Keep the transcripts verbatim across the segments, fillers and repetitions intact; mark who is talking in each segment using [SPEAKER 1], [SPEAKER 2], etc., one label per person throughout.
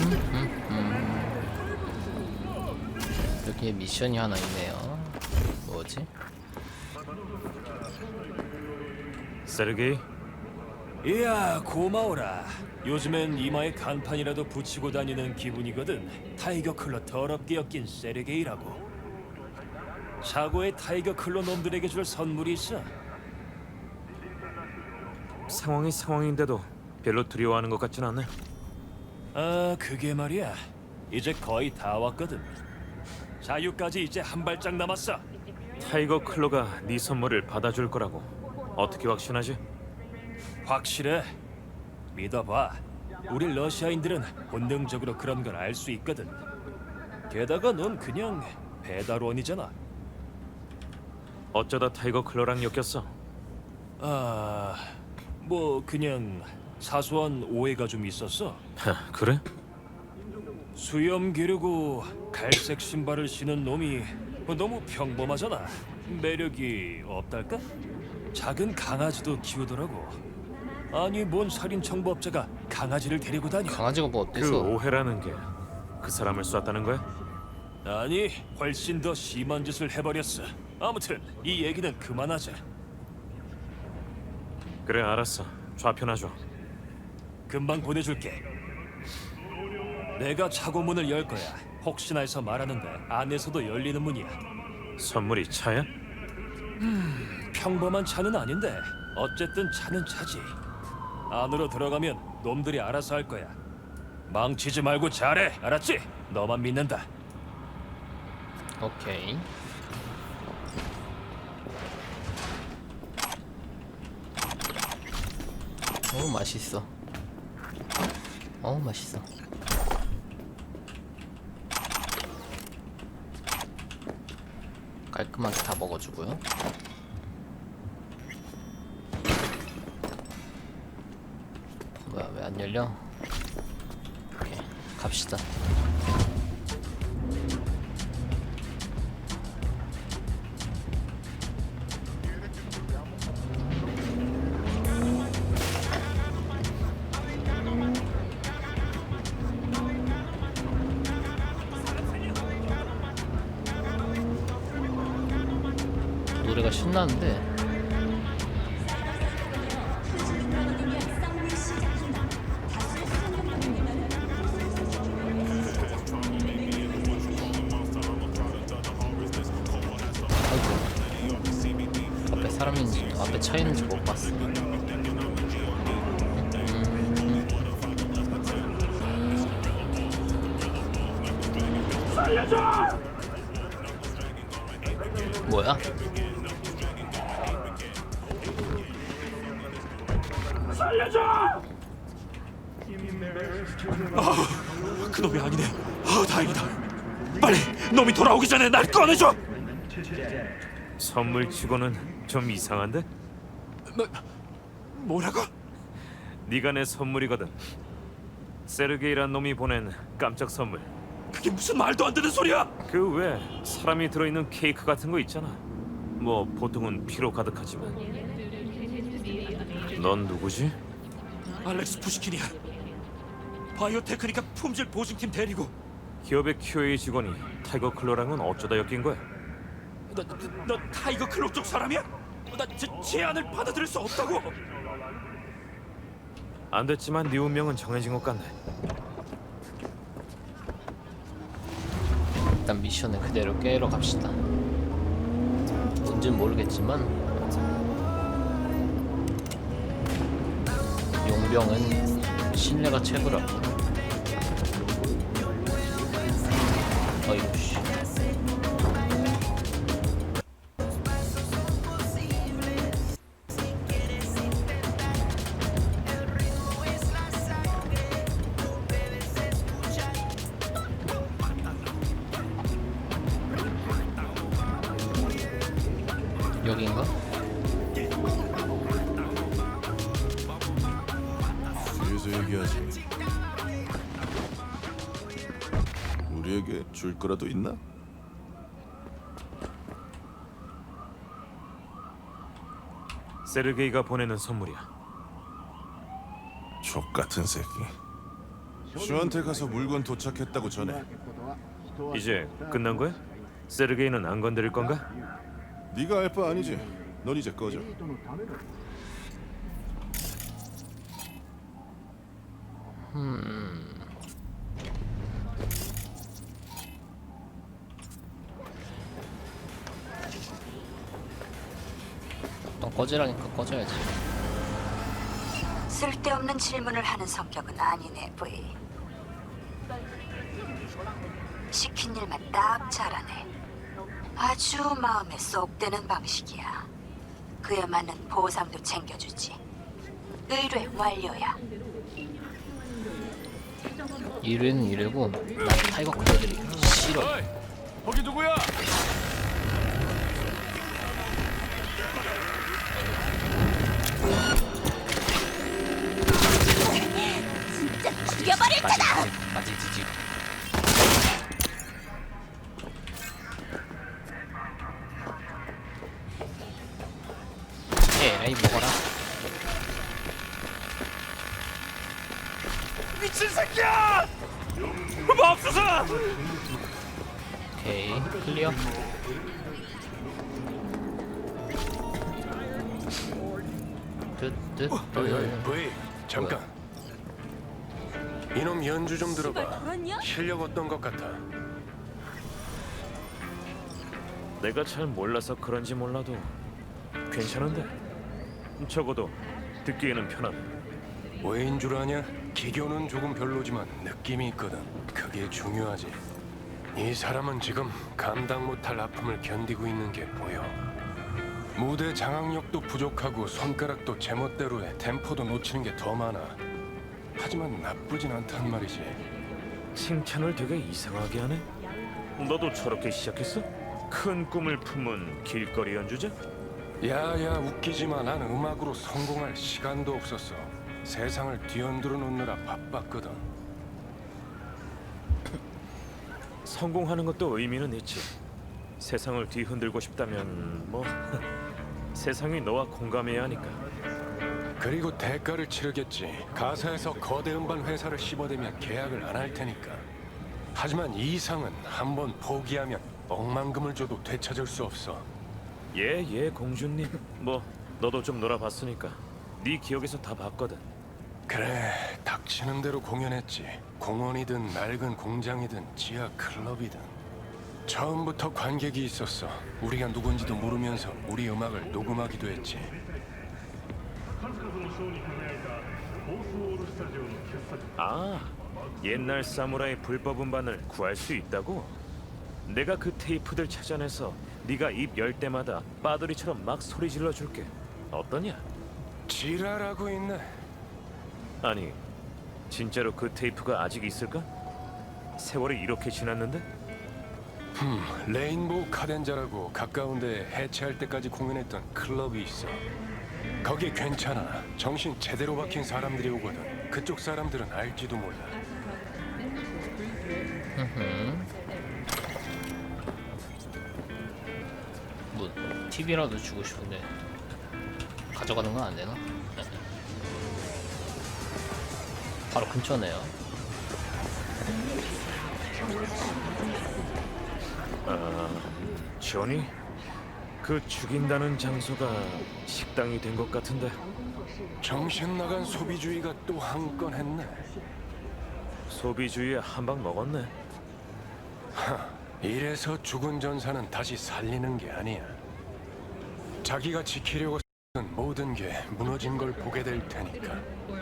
[SPEAKER 1] 여기에 미션이 하나 있네요. 뭐지?
[SPEAKER 2] 세르게이,
[SPEAKER 3] 이야 고마워라. 요즘엔 이마에 간판이라도 붙이고 다니는 기분이거든. 타이거 클로 더럽게 엮인 세르게이라고. 차고에 타이거 클로 놈들에게 줄 선물이 있어.
[SPEAKER 2] 상황이 상황인데도 별로 두려워하는 것 같진 않네.
[SPEAKER 3] 아 그게 말이야. 이제 거의 다 왔거든. 자유까지 이제 한 발짝 남았어.
[SPEAKER 2] 타이거 클로가 네 선물을 받아줄 거라고 어떻게 확신하지?
[SPEAKER 3] 확실해. 믿어봐. 우리 러시아인들은 본능적으로 그런 걸 알 수 있거든. 게다가 넌 그냥 배달원이잖아.
[SPEAKER 2] 어쩌다 타이거 클로랑 엮였어?
[SPEAKER 3] 아, 뭐 그냥 사소한 오해가 좀 있었어.
[SPEAKER 2] 하, 그래?
[SPEAKER 3] 수염 기르고 갈색 신발을 신은 놈이 너무 평범하잖아. 매력이 없달까? 작은 강아지도 키우더라고. 아니 뭔 살인 청부업자가 강아지를 데리고 다녀?
[SPEAKER 1] 강아지가 뭐
[SPEAKER 2] 그
[SPEAKER 1] 어때서?
[SPEAKER 2] 오해라는 게 그 사람을 쐈다는 거야?
[SPEAKER 3] 아니 훨씬 더 심한 짓을 해버렸어. 아무튼 이 얘기는 그만하자.
[SPEAKER 2] 그래, 알았어. 좌표나 줘.
[SPEAKER 3] 금방 보내줄게. 내가 차고 문을 열 거야. 혹시나 해서 말하는데 안에서도 열리는 문이야.
[SPEAKER 2] 선물이 차야?
[SPEAKER 3] 평범한 차는 아닌데 어쨌든 차는 차지. 안으로 들어가면 놈들이 알아서 할 거야. 망치지 말고 잘해, 알았지? 너만 믿는다.
[SPEAKER 1] 오케이. 어 맛있어. 어 맛있어. 깔끔하게 다 먹어주고요. 뭐야 왜 안 열려? 오케이 갑시다. 노래가 신나는데. 아이고 앞에 사람 있는지 앞에 차 있는지 못 봤어. 뭐야?
[SPEAKER 3] 그놈이 아니네. 아 다행이다. 빨리 놈이 돌아오기 전에 날 꺼내줘.
[SPEAKER 2] 선물치고는 좀 이상한데?
[SPEAKER 3] 뭐, 뭐라고?
[SPEAKER 2] 네가 내 선물이거든. 세르게이란 놈이 보낸 깜짝 선물.
[SPEAKER 3] 그게 무슨 말도 안 되는 소리야?
[SPEAKER 2] 그 외 사람이 들어있는 케이크 같은 거 있잖아. 뭐 보통은 피로 가득하지만. 넌 누구지?
[SPEAKER 3] 알렉스 푸시킨이야. 바이오테크니카 품질 보증팀 대리고.
[SPEAKER 2] 기업의 큐에이 직원이 타이거 클로랑은 어쩌다 엮인 거야?
[SPEAKER 3] 너, 너, 너 타이거 클로 쪽 사람이야? 나 제, 제안을 받아들일 수 없다고.
[SPEAKER 2] 안 됐지만 네 운명은 정해진 것 같네.
[SPEAKER 1] 일단 미션을 그대로 깨러 갑시다. 뭔진 모르겠지만 용병은 신뢰가 최고라고. 어이구 씨. 여긴가?
[SPEAKER 4] 뒤에서 얘기하지. 우리에게 줄 거라도 있나?
[SPEAKER 2] 세르게이가 보내는 선물이야.
[SPEAKER 4] 족 같은 새끼. 슈한테 가서 물건 도착했다고 전해.
[SPEAKER 2] 이제 끝난 거야? 세르게이는 안 건드릴 건가?
[SPEAKER 4] 네가 알 바 아니지. 넌 이제 꺼져.
[SPEAKER 1] 넌 꺼지라니까 꺼져야지.
[SPEAKER 5] 쓸데없는 질문을 하는 성격은 아니네, 부이. 시킨 일만 딱 잘하네. 아주 마음에 쏙 드는 방식이야. 그에 맞는 보상도 챙겨주지. 의뢰 완료야.
[SPEAKER 1] 일회는 일회고 난 타이거 컬러들이 싫어.
[SPEAKER 3] 거기 누구야?
[SPEAKER 5] 죽여버릴 테다!
[SPEAKER 1] 빠지지지. 에라이 먹어라.
[SPEAKER 2] 미친 새끼야! 맙소사!
[SPEAKER 1] 오케이 클리어. 뜻뜻
[SPEAKER 6] 브이 잠깐. 이놈 연주 좀 들어봐. 실력 어떤 것 같아?
[SPEAKER 2] 내가 잘 몰라서 그런지 몰라도 괜찮은데? 적어도 듣기에는 편하네.
[SPEAKER 6] 왜인 줄 아냐? 기교는 조금 별로지만 느낌이 있거든. 그게 중요하지. 이 사람은 지금 감당 못할 아픔을 견디고 있는 게 보여. 무대 장악력도 부족하고 손가락도 제멋대로 해. 템포도 놓치는 게 더 많아. 하지만 나쁘진 않단 말이지.
[SPEAKER 2] 칭찬을 되게 이상하게 하네. 너도 저렇게 시작했어? 큰 꿈을 품은 길거리 연주자?
[SPEAKER 6] 야야 웃기지만 난 음악으로 성공할 시간도 없었어. 세상을 뒤흔들어 놓느라 바빴거든.
[SPEAKER 2] 성공하는 것도 의미는 있지. 세상을 뒤흔들고 싶다면 뭐 세상이 너와 공감해야 하니까.
[SPEAKER 6] 그리고 대가를 치르겠지. 가사에서 거대 음반 회사를 씹어대면 계약을 안 할 테니까. 하지만 이 이상은 한번 포기하면 억만금을 줘도 되찾을 수 없어.
[SPEAKER 2] 예, 예, 공주님. 뭐 너도 좀 놀아봤으니까 네 기억에서 다 봤거든.
[SPEAKER 6] 그래, 닥치는 대로 공연했지. 공원이든 낡은 공장이든 지하 클럽이든. 처음부터 관객이 있었어. 우리가 누군지도 모르면서 우리 음악을 녹음하기도 했지.
[SPEAKER 2] 아, 옛날 사무라이 불법 음반을 구할 수 있다고? 내가 그 테이프들 찾아내서 네가 입 열 때마다 빠돌이처럼 막 소리 질러 줄게. 어떠냐?
[SPEAKER 6] 지랄하고 있네.
[SPEAKER 2] 아니, 진짜로 그 테이프가 아직 있을까? 세월이 이렇게 지났는데?
[SPEAKER 6] 음, 레인보우 카덴자라고 가까운 데 해체할 때까지 공연했던 클럽이 있어. 거기 괜찮아. 정신 제대로 박힌 사람들이 오거든. 그쪽 사람들은 알지도 몰라.
[SPEAKER 1] 뭐 티비라도 주고 싶은데 가져가는 건 안 되나? 바로 근처네요.
[SPEAKER 2] 조니? 그 죽인다는 장소가 식당이 된 것 같은데.
[SPEAKER 6] 정신 나간 소비주의가 또 한 건 했네.
[SPEAKER 2] 소비주의에 한 방 먹었네.
[SPEAKER 6] 이래서 죽은 전사는 다시 살리는 게 아니야. 자기가 지키려고 쓴 모든 게 무너진 걸 보게 될 테니까.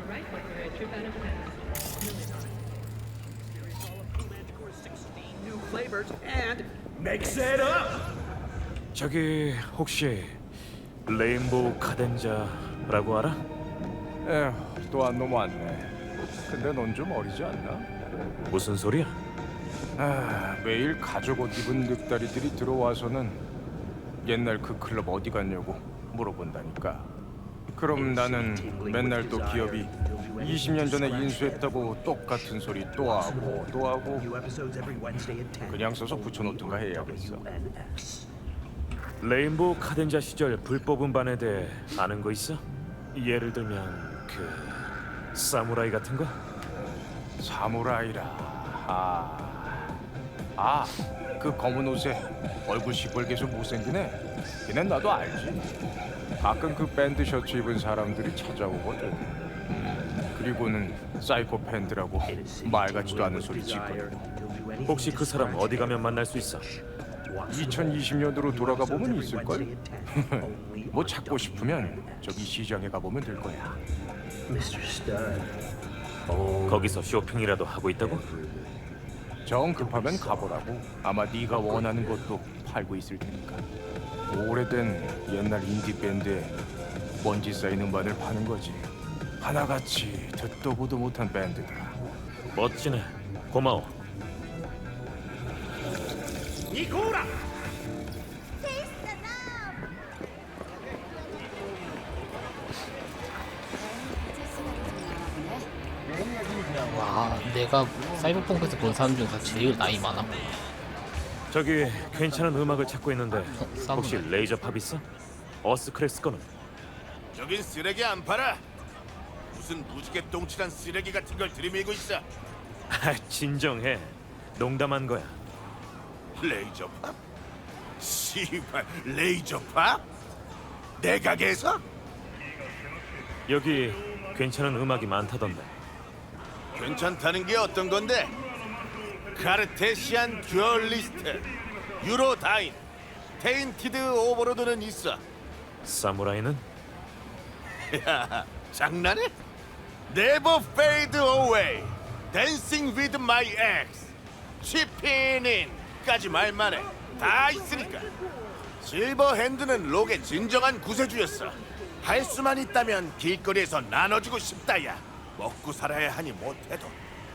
[SPEAKER 2] 저기 혹시 레인보우 카덴자라고 알아?
[SPEAKER 7] 에휴, 또한 놈 왔네. 근데 넌 좀 어리지 않나?
[SPEAKER 2] 무슨 소리야?
[SPEAKER 7] 아, 매일 가죽 옷 입은 늑다리들이 들어와서는 옛날 그 클럽 어디 갔냐고 물어본다니까. 그럼 나는 맨날 또 기업이 이십 년 전에 인수했다고 똑같은 소리 또 하고 또 하고 그냥 써서 붙여놓든가 해야겠어.
[SPEAKER 2] 레인보우 카덴자 시절 불법 음반에 대해 아는 거 있어? 예를 들면 그 사무라이 같은 거?
[SPEAKER 7] 사무라이라. 아, 아, 그 검은 옷에 얼굴 시뻘개서 못생기네. 걔는 나도 알지. 가끔 그 밴드 셔츠 입은 사람들이 찾아오거든. 음, 그리고는 사이코 팬들하고 말 같지도 않은 소리 짓거든.
[SPEAKER 2] 혹시 그 사람 어디 가면 만날 수 있어?
[SPEAKER 7] 이천이십 년도로 돌아가 보면 있을걸? 뭐 찾고 싶으면 저기 시장에 가보면 될 거야.
[SPEAKER 2] 거기서 쇼핑이라도 하고 있다고?
[SPEAKER 7] 정 급하면 가보라고. 아마 네가 원하는 것도 팔고 있을 테니까. 오래된 옛날 인디 밴드에 먼지 쌓인 음반을 파는 거지. 하나같이 듣도 보도 못한 밴드더라.
[SPEAKER 2] 멋지네. 고마워.
[SPEAKER 1] 와, 내가 사이버펑크에서 본 사람 중에서 제일 나이 많아.
[SPEAKER 2] 저기 괜찮은 음악을 찾고 있는데 혹시
[SPEAKER 1] 사무라이.
[SPEAKER 2] 레이저 팝 있어? 어스크레스 거는?
[SPEAKER 4] 여긴 쓰레기 안 팔아. 무슨 무지개 똥칠한 쓰레기 같은 걸 들이밀고 있어.
[SPEAKER 2] 아, 진정해. 농담한 거야.
[SPEAKER 4] 레이저 팝? 씨발, 레이저 팝? 내 가게에서?
[SPEAKER 2] 여기 괜찮은 음악이 많다던데.
[SPEAKER 4] 괜찮다는 게 어떤 건데? 카르테시안 듀얼리스트, 유로다인, 테인티드 오버로드는 있어.
[SPEAKER 2] 사무라이는?
[SPEAKER 4] 야, 장난해? Never fade away, Dancing with my ex, Chipping in까지 말만 해. 다 있으니까. 실버 핸드는 록의 진정한 구세주였어. 할 수만 있다면 길거리에서 나눠주고 싶다야. 먹고 살아야 하니 못해도.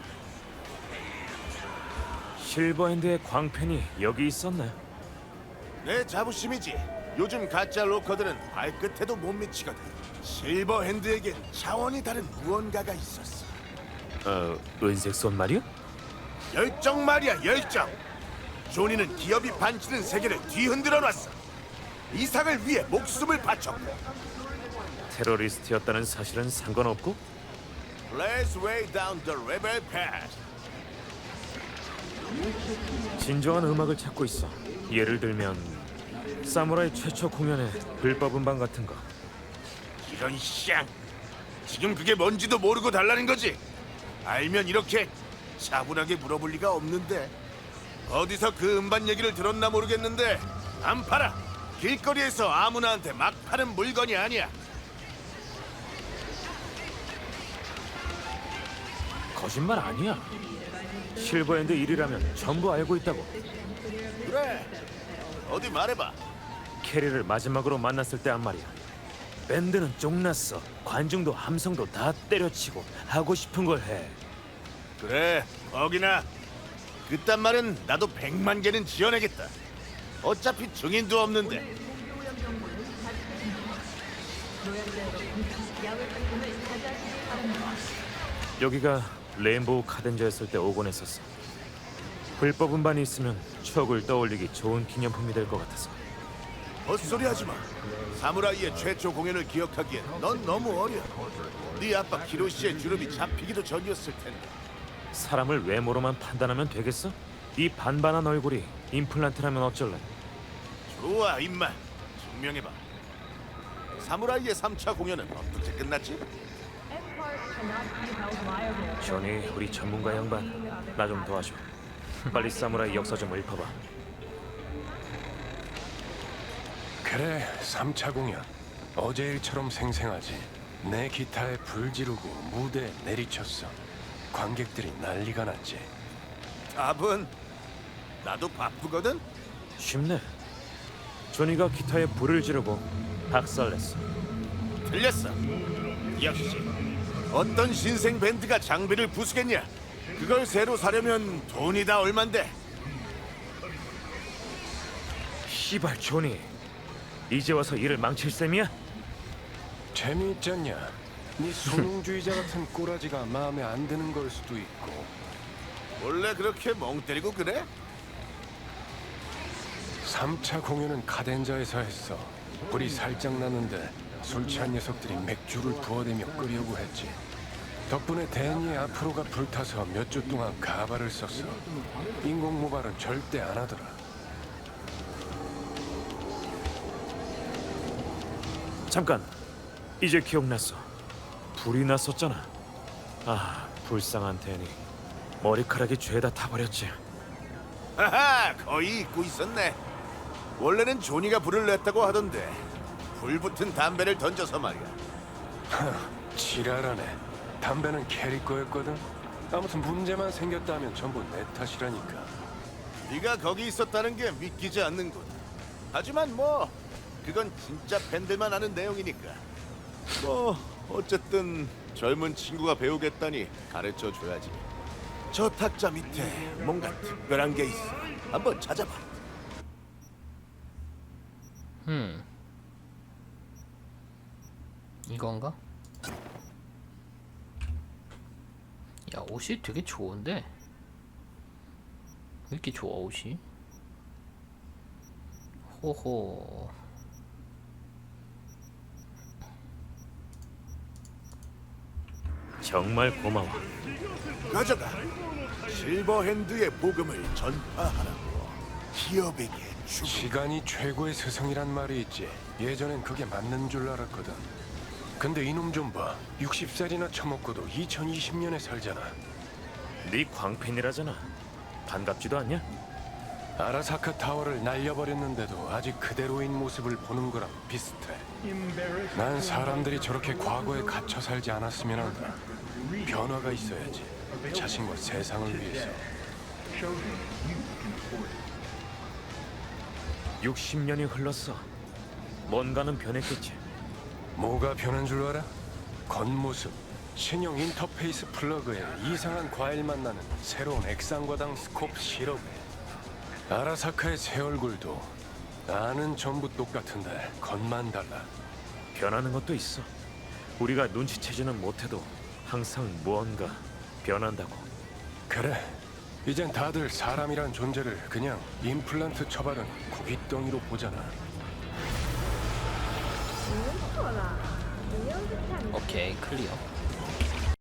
[SPEAKER 2] 실버핸드의 광팬이 여기 있었네.
[SPEAKER 4] 내 자부심이지. 요즘 가짜 로커들은 발끝에도 못 미치거든. 실버 핸드에겐 차원이 다른 무언가가 있었어.
[SPEAKER 2] 어, 은색 손 말이야?
[SPEAKER 4] 열정 말이야, 열정. 조니는 기업이 반치는 세계를 뒤흔들어 놨어. 이상을 위해 목숨을 바쳤고.
[SPEAKER 2] 테러리스트였다는 사실은 상관없고?
[SPEAKER 4] Let's way down the rebel path.
[SPEAKER 2] 진정한 음악을 찾고 있어. 예를 들면 사무라이 최초 공연의 불법 음반 같은 거.
[SPEAKER 4] 이런 쌍. 지금 그게 뭔지도 모르고 달라는 거지. 알면 이렇게 차분하게 물어볼 리가 없는데. 어디서 그 음반 얘기를 들었나 모르겠는데 안 팔아. 길거리에서 아무나한테 막 파는 물건이 아니야.
[SPEAKER 2] 거짓말 아니야. 실버핸드 일 위라면 전부 알고 있다고.
[SPEAKER 4] 그래. 어디 말해봐.
[SPEAKER 2] 캐리를 마지막으로 만났을 때 한 말이야. 밴드는 쫑났어. 관중도 함성도 다 때려치고 하고 싶은 걸 해.
[SPEAKER 4] 그래. 거기나. 그딴 말은 나도 백만 개는 지어내겠다. 어차피 증인도 없는데.
[SPEAKER 2] 여기가 레인보우 카덴저였을 때 오곤 했었어. 불법 음반이 있으면 추억을 떠올리기 좋은 기념품이 될 것 같아서.
[SPEAKER 4] 헛소리 하지 마. 사무라이의 최초 공연을 기억하기엔 넌 너무 어려. 네 아빠 키로시의 주름이 잡히기도 전이었을 텐데.
[SPEAKER 2] 사람을 외모로만 판단하면 되겠어? 이 반반한 얼굴이 임플란트라면 어쩔래?
[SPEAKER 4] 좋아, 임마. 증명해봐. 사무라이의 삼 차 공연은 어떻게 끝났지?
[SPEAKER 2] 조니, 우리 전문가 양반, 나 좀 도와줘. 빨리 사무라이 역사 좀 읊어봐.
[SPEAKER 6] 그래, 삼 차 공연. 어제 일처럼 생생하지. 내 기타에 불 지르고 무대에 내리쳤어. 관객들이 난리가 났지.
[SPEAKER 4] 답은? 나도 바쁘거든?
[SPEAKER 2] 쉽네. 조니가 기타에 불을 지르고 박살냈어.
[SPEAKER 4] 틀렸어. 역시 어떤 신생 밴드가 장비를 부수겠냐? 그걸 새로 사려면 돈이 다 얼만데.
[SPEAKER 2] 시발 조니, 이제 와서 일을 망칠 셈이야?
[SPEAKER 6] 재미있잖냐? 네 소능주의자 같은 꼬라지가 마음에 안 드는 걸 수도 있고.
[SPEAKER 4] 원래 그렇게 멍 때리고 그래?
[SPEAKER 6] 삼 차 공연은 카덴자에서 했어. 불이 살짝 났는데 술 취한 녀석들이 맥주를 부어대며 끄려고 했지. 덕분에 데니의 앞으로가 불타서 몇 주 동안 가발을 썼어. 인공 모발은 절대 안 하더라.
[SPEAKER 2] 잠깐, 이제 기억났어. 불이 났었잖아. 아, 불쌍한 데니. 머리카락이 죄다 타버렸지.
[SPEAKER 4] 하하, 거의 잊고 있었네. 원래는 조니가 불을 냈다고 하던데 불 붙은 담배를 던져서 말이야.
[SPEAKER 6] 지랄하네. 담배는 캐리 거였거든. 아무튼 문제만 생겼다면 전부 내 탓이라니까.
[SPEAKER 4] 네가 거기 있었다는 게 믿기지 않는군. 하지만 뭐 그건 진짜 팬들만 아는 내용이니까. 뭐 어쨌든 젊은 친구가 배우겠다니 가르쳐 줘야지. 저 탁자 밑에 뭔가 특별한 게 있어. 한번 찾아봐.
[SPEAKER 1] 음 이건가? 야, 옷이 되게 좋은데? 왜 이렇게 좋아, 옷이? 호호.
[SPEAKER 2] 정말 고마워.
[SPEAKER 4] 가져가. 실버핸드의 복음을 전파하라고. 기업에게 주고.
[SPEAKER 6] 시간이 최고의 스승이란 말이 있지. 예전엔 그게 맞는 줄 알았거든. 근데 이놈 좀 봐. 육십 살이나 처먹고도 이천이십 년에 살잖아.
[SPEAKER 2] 네 광팬이라잖아. 반갑지도 않냐?
[SPEAKER 6] 아라사카 타워를 날려버렸는데도 아직 그대로인 모습을 보는 거랑 비슷해. 난 사람들이 저렇게 과거에 갇혀 살지 않았으면 한다. 변화가 있어야지. 자신과 세상을 위해서.
[SPEAKER 2] 육십 년이 흘렀어. 뭔가는 변했겠지.
[SPEAKER 6] 뭐가 변한 줄 알아? 겉모습. 신형 인터페이스 플러그에 이상한 과일맛 나는 새로운 액상과당 스콥 시럽에 아라사카의 새 얼굴도 나는 전부 똑같은데 겉만 달라.
[SPEAKER 2] 변하는 것도 있어. 우리가 눈치채지는 못해도 항상 무언가 변한다고.
[SPEAKER 6] 그래. 이젠 다들 사람이란 존재를 그냥 임플란트 처바른 구깃덩이로 보잖아.
[SPEAKER 1] 오케이, 클리어.